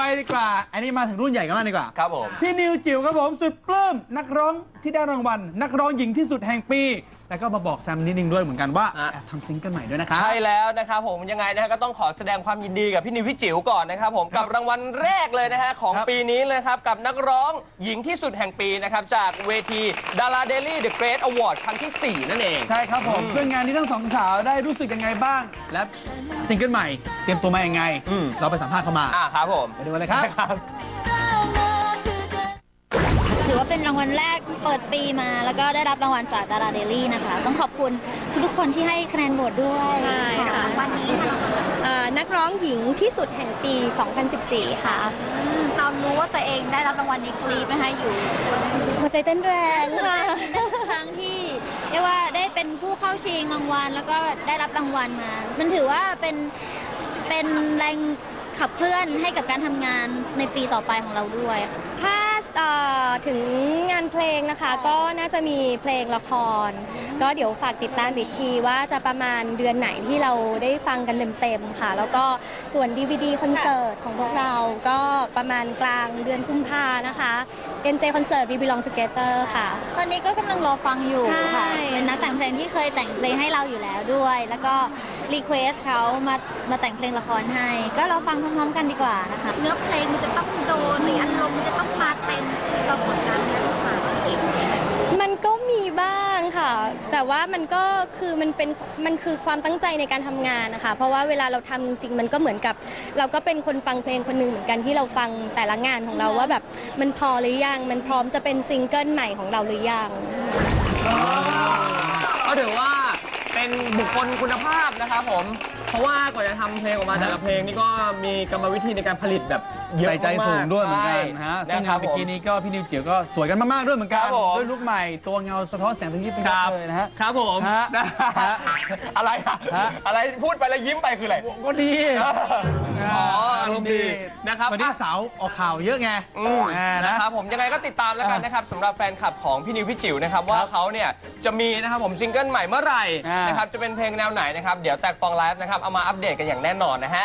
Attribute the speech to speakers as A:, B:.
A: ดีกว่าอันนี้มาถึงรุ่นใหญ่กันแล้วดีกว่า
B: ครับผม
A: พี่นิวจิ๋วครับผมสุดปลื้มนักร้องที่ได้รางวัลนักร้องหญิงที่สุดแห่งปีแล้วก็มาบอกแซมนิดนึงด้วยเหมือนกันว่าแอบทำซิงเกิลใหม่ด้วยนะครับ
B: ใช่แล้วนะครับผมยังไงนะฮะก็ต้องขอแสดงความยินดีกับพี่นิวพี่จิ๋วก่อนนะครับผมกับรางวัลแรกเลยนะฮะของปีนี้เลยครับกับนักร้องหญิงที่สุดแห่งปีนะครับจากเวทีดาราเดลี่เดอะเกรทอวอร์ดครั้งที่ 4นั่นเอง
A: ใช่ครับผมซึ่งงานนี้ทั้งสองสาวได้รู้สึกยังไงบ้างและซิงเกิลใหม่เตรียมตัวมายังไงเราไปสัมภาษณ์เข้ามา
B: ครับผม
A: ไปดูกันเลยครับ
C: ถือว่าเป็นรางวัลแรกเปิดปีมาแล้วก็ได้รับรางวัลจากดาราเดลี่นะคะต้องขอบคุณทุกๆคนที่ให้คะแนนโหวตด้วย
D: ใช่ค่ะ
C: รางวัลนี้ค่ะ
D: นักร้องหญิงที่สุดแห่งปี 2014 ค่ะ
C: ตอนรู้ว่าตัวเองได้รับรางวัลนี้กรี๊ดไหมคะอยู่
D: หัวใจเต้นแรงค่ะ
C: เป็นครั้งที่เรียกว่าได้เป็นผู้เข้าชิงรางวัลแล้วก็ได้รับรางวัลมามันถือว่าเป็นแรงขับเคลื่อนให้กับการทำงานในปีต่อไปของเราด้วย
D: ถ้าถึงงานเพลงนะคะก็น่าจะมีเพลงละครก็เดี๋ยวฝากติดตามอีกทีว่าจะประมาณเดือนไหนที่เราได้ฟังกันเต็มๆค่ะแล้วก็ส่วน DVD คอนเสิร์ตของพวกเราก็ประมาณกลางเดือนกุมภานะคะ NJ Concert We Belong Together ค่ะ
C: ตอนนี้ก็กำลังรอฟังอยู่ค่ะเป็นนักแต่งเพลงที่เคยแต่งเพลงให้เราอยู่แล้วด้วยแล้วก็รีเควสเขามาแต่งเพลงละครให้ก็รอฟังพร้อมๆกันดีกว่านะคะเนื้อเพลงมันจะต้องโดนหรืออารมณ์มันจะต้องมาเต็มเรากดดันไหมคะ
D: มันก็มีบ้างค่ะแต่ว่ามันคือความตั้งใจในการทำงานนะคะเพราะว่าเวลาเราทำจริงมันก็เหมือนกับเราก็เป็นคนฟังเพลงคนหนึ่งเหมือนกันที่เราฟังแต่ละงานของเราว่าแบบมันพอหรือยังมันพร้อมจะเป็นซิงเกิลใหม่ของเราหรือยัง
B: ก็ถือว่าเป็นบุคคลคุณภาพนะครับผมเพราะว่ากว่าจะทำเพลงออกมาแต่ละเพลงนี่ก็มีกรรมวิธีในการผลิตแบบเยอะมาก
A: ใส่ใจสูงด้วยเหมือนกันนะฮะซึ่งงานเมื่อกี้นี้ก็พี่นิวจิ๋วก็สวยกันมากๆด้วยเหมือนกันด้วยลุคใหม่ตัวเงาสะท้อนแสงตะกี้เป็นเลยนะฮะ
B: ครับผมอะไรอะไรพูดไปแล้วยิ้มไปคืออะไร
A: ก็ดี
B: อารมณ์ดีนะครับ
A: วันนี้สาวออกข่าวเยอะไง
B: นะครับผมยังไงก็ติดตามแล้วกันนะครับสำหรับแฟนคลับของพี่นิวพี่จิ๋วนะครับว่าเขาเนี่ยจะมีนะครับผมซิงเกิลใหม่เมื่อไหร่นะครับจะเป็นเพลงแนวไหนนะครับเดี๋ยวแตกฟองไลฟ์นะครับเอามาอัปเดตกันอย่างแน่นอนนะฮะ